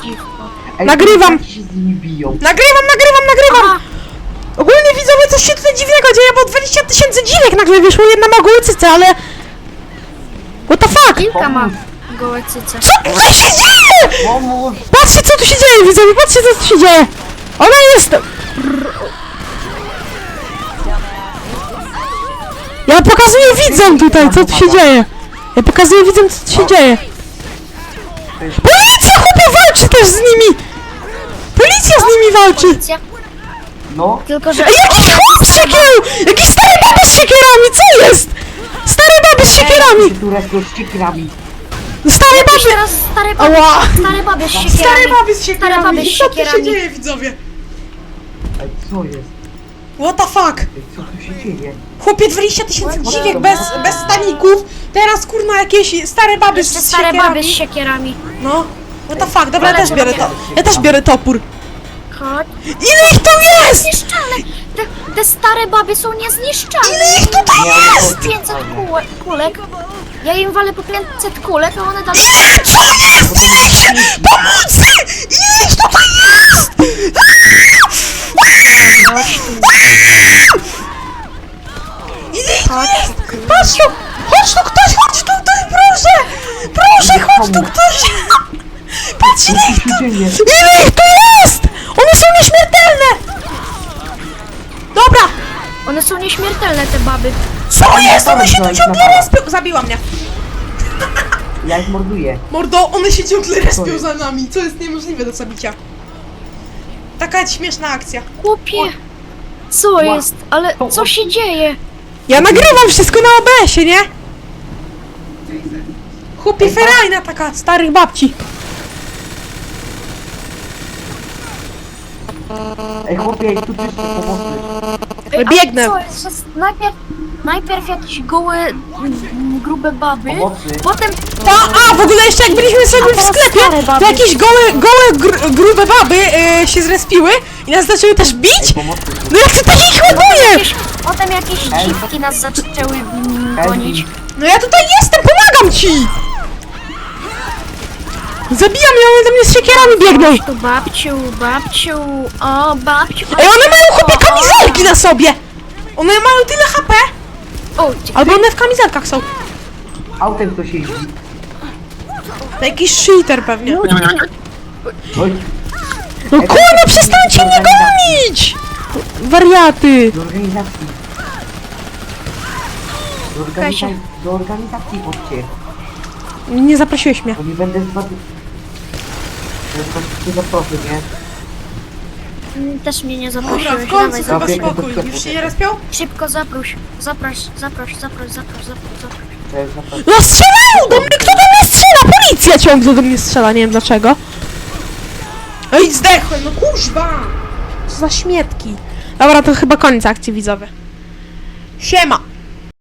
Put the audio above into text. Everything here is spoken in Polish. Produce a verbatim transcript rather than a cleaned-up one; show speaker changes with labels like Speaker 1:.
Speaker 1: dziwko.
Speaker 2: Ej,
Speaker 3: Nagrywam.
Speaker 2: ci się z nimi biją.
Speaker 3: Nagrywam, nagrywam, nagrywam!
Speaker 1: Aha,
Speaker 3: Ogólnie widzowie, coś się tutaj dziwnego dzieje, bo dwadzieścia tysięcy dziwek nagle wyszło, jedna ma gołe cyce, ale... What the fuck?
Speaker 1: kilka ma gołe cyce.
Speaker 3: Co tutaj się dzieje?
Speaker 2: Pomóż!
Speaker 3: Patrzcie, co tu się dzieje, widzowie, patrzcie, co tu się dzieje! Ona jest... Ja pokazuję widzom tutaj, co tu się dzieje. Ja pokazuję widzom, co tu się dzieje. Policja, chłopie, walczy też z nimi! Policja z nimi walczy!
Speaker 1: Policja.
Speaker 2: No,
Speaker 1: Tylko, że...
Speaker 3: Ej, jakiś chłop z siekierą! Jakiś stary baby z siekierami, co jest? Stary baby z siekierami!
Speaker 2: tu respią ściekrami.
Speaker 3: Stary
Speaker 1: Jakiś
Speaker 3: baby!
Speaker 1: teraz stare baby,
Speaker 3: Ała!
Speaker 1: stare baby z siekierami.
Speaker 3: Stary baby z
Speaker 1: Stare baby
Speaker 3: siekierami!
Speaker 1: z
Speaker 3: Co tu się
Speaker 1: siekierami.
Speaker 3: dzieje, widzowie?
Speaker 2: Ej, co jest?
Speaker 3: What the fuck?
Speaker 2: Ej, co tu się dzieje?
Speaker 3: Chłopie, dwadzieścia tysięcy dziwiek bez, bez staników, teraz kurna jakieś stare baby
Speaker 1: Jeszcze
Speaker 3: z
Speaker 1: stare
Speaker 3: siekierami.
Speaker 1: baby z siekierami.
Speaker 3: No, what the fuck, dobra, ja też biorę to.
Speaker 2: Dobra.
Speaker 3: Ja też biorę topór.
Speaker 1: Chodź.
Speaker 3: Ile ich tu jest?
Speaker 1: Niezniszczalne! Te, te stare baby są niezniszczalne!
Speaker 3: Ile ich tutaj jest?
Speaker 1: pięćset kółek, kulek. Ja im walę po pięćset kulek, a one dalej...
Speaker 3: Ile? Co jest? Ile ich się... Pomocy! Ile ich tutaj jest?
Speaker 1: Chodź tu,
Speaker 3: Ile ich tu
Speaker 1: chodź
Speaker 3: jest?
Speaker 1: tu.
Speaker 3: Patrz tu! Chodź tu ktoś, chodź tutaj, proszę! Proszę, chodź tu ktoś! Patrz, ile
Speaker 2: Co
Speaker 3: ich
Speaker 2: tu
Speaker 3: tu...
Speaker 2: się dzieje?
Speaker 3: Ile ich tu jest? One są nieśmiertelne! Dobra!
Speaker 1: One są nieśmiertelne, te baby.
Speaker 3: Co jest? One się tu
Speaker 2: Dawaj,
Speaker 3: ciągle
Speaker 2: dawaj.
Speaker 3: respią! Zabiła mnie!
Speaker 2: Ja ich morduję.
Speaker 3: Mordo, one się ciągle respią
Speaker 2: jest?
Speaker 3: za nami, co jest niemożliwe do zabicia. Taka śmieszna akcja.
Speaker 1: Chłopie, co jest? Ale co się dzieje?
Speaker 3: Ja nagrywam wszystko na O B S-ie, nie? Chłopie, ferajna taka, starych babci.
Speaker 2: Ej, chłopie, tu czysto pomocy.
Speaker 1: Ej, a
Speaker 3: Biegnę.
Speaker 1: Co jest? Że najpierw, najpierw jakieś gołe, mm, grube baby,
Speaker 2: Pomocy.
Speaker 1: potem...
Speaker 3: Ta, a, w ogóle jeszcze jak byliśmy sobie w
Speaker 1: teraz
Speaker 3: sklepie,
Speaker 1: stare baby.
Speaker 3: to jakieś gołe, gołe gr grube baby y, się zrespiły i nas zaczęły też bić.
Speaker 2: Ej, pomocy.
Speaker 3: No jak tutaj ich ładuje!
Speaker 1: Jakieś, potem jakieś dziwki nas zaczęły mm, gonić.
Speaker 3: No ja tutaj jestem, pomagam ci! Zabijam je, one do mnie z siekierami biegną.
Speaker 1: Chodź tu, babciu, babciu, o, babciu.
Speaker 3: Ej, one mają chłopie
Speaker 1: o, o.
Speaker 3: kamizelki na sobie! One mają tyle H P!
Speaker 1: O,
Speaker 3: Albo one w kamizelkach są.
Speaker 2: Autem ktoś jeździ.
Speaker 3: To jakiś cheater pewnie.
Speaker 2: Oj,
Speaker 3: No kurwa, przestańcie mnie gonić! Wariaty!
Speaker 2: do organizacji. Do
Speaker 1: Kasia.
Speaker 2: organizacji, do organizacji chodźcie.
Speaker 3: Nie zaprosiłeś mnie.
Speaker 2: Bo nie będę z wami... Nie zaproszę, nie?
Speaker 1: mm, też mnie nie
Speaker 3: Dobra,
Speaker 1: zaprosiłeś,
Speaker 3: w końcu
Speaker 1: dawaj,
Speaker 3: chyba
Speaker 2: Dobra,
Speaker 1: zaproś.
Speaker 3: spokój.
Speaker 2: to- to-
Speaker 3: Już się nie respią?
Speaker 1: Szybko zaproś, zaproś, zaproś, zaproś, zaproś, zaproś, zaproś.
Speaker 2: To jest zaproszę.
Speaker 3: No strzelają do mnie! Kto do mnie strzela? Policja ciągle do mnie strzela, nie wiem dlaczego. Ej, zdechłem, no kuźba! Co za śmietki. Dobra, to chyba koniec akcji, widzowie. Siema!